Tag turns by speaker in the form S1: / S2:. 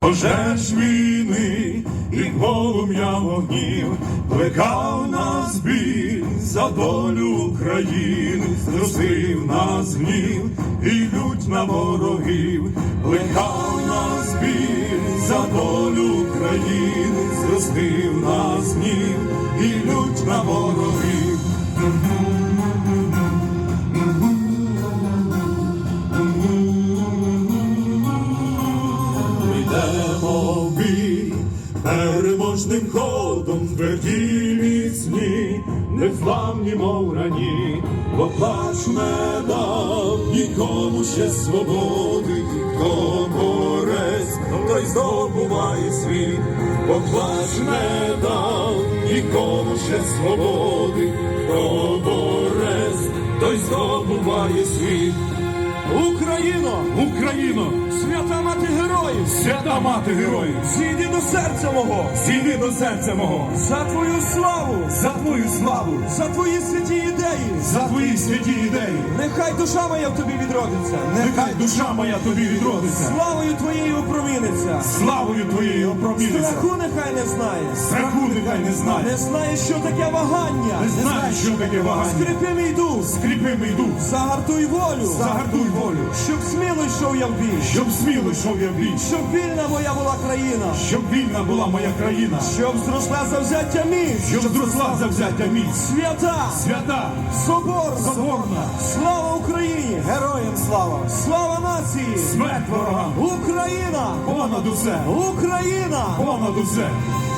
S1: Пожеж війни і полум'я вогнів, плекав нас біль за долю України, зростив нас гнів і лють на ворогів, плекав нас біль за долю України, зростив нас гнів і лють на ворогів. Йдемо в бій переможним ходом, тверді міцні, незламні, мов рані, бо плач не дав нікому ще свободи, хто борець, той здобуває світ, бо плач не дав нікому ще свободи, хто борець, той здобуває світ.
S2: Україно!
S1: Україно!
S2: Свята мати героїв!
S1: Свята мати героїв!
S2: Зійди до серця мого!
S1: Зійди до серця мого!
S2: За твою славу!
S1: За твою славу!
S2: За твої святі ідеї!
S1: За твої святі ідеї!
S2: Нехай душа моя в тобі відродиться!
S1: Нехай душа моя тобі відродиться!
S2: Славою твоєю опроміниться!
S1: Славою твоєю опроміниться!
S2: Страху нехай не знає!
S1: Страху нехай не знає!
S2: Не знає, що таке вагання!
S1: Не знає, що таке вагання!
S2: Скріпи мій дух!
S1: Скріпи мій дух!
S2: Загартуй волю!
S1: Загартуй волю!
S2: Щоб сміло йшов я в бій!
S1: Щоб сміло йшов я в бій!
S2: Щоб вільна моя була країна!
S1: Щоб вільна була моя країна!
S2: Щоб зросла завзяття міць!
S1: Щоб зросла завзяття міць!
S2: Свята!
S1: Свята!
S2: Соборна!
S1: Соборна!
S2: Слава Україні!
S3: Героям слава!
S2: Слава нації!
S1: Смерть ворогам!
S2: Україна!
S1: Понад усе!
S2: Україна!
S1: Понад усе!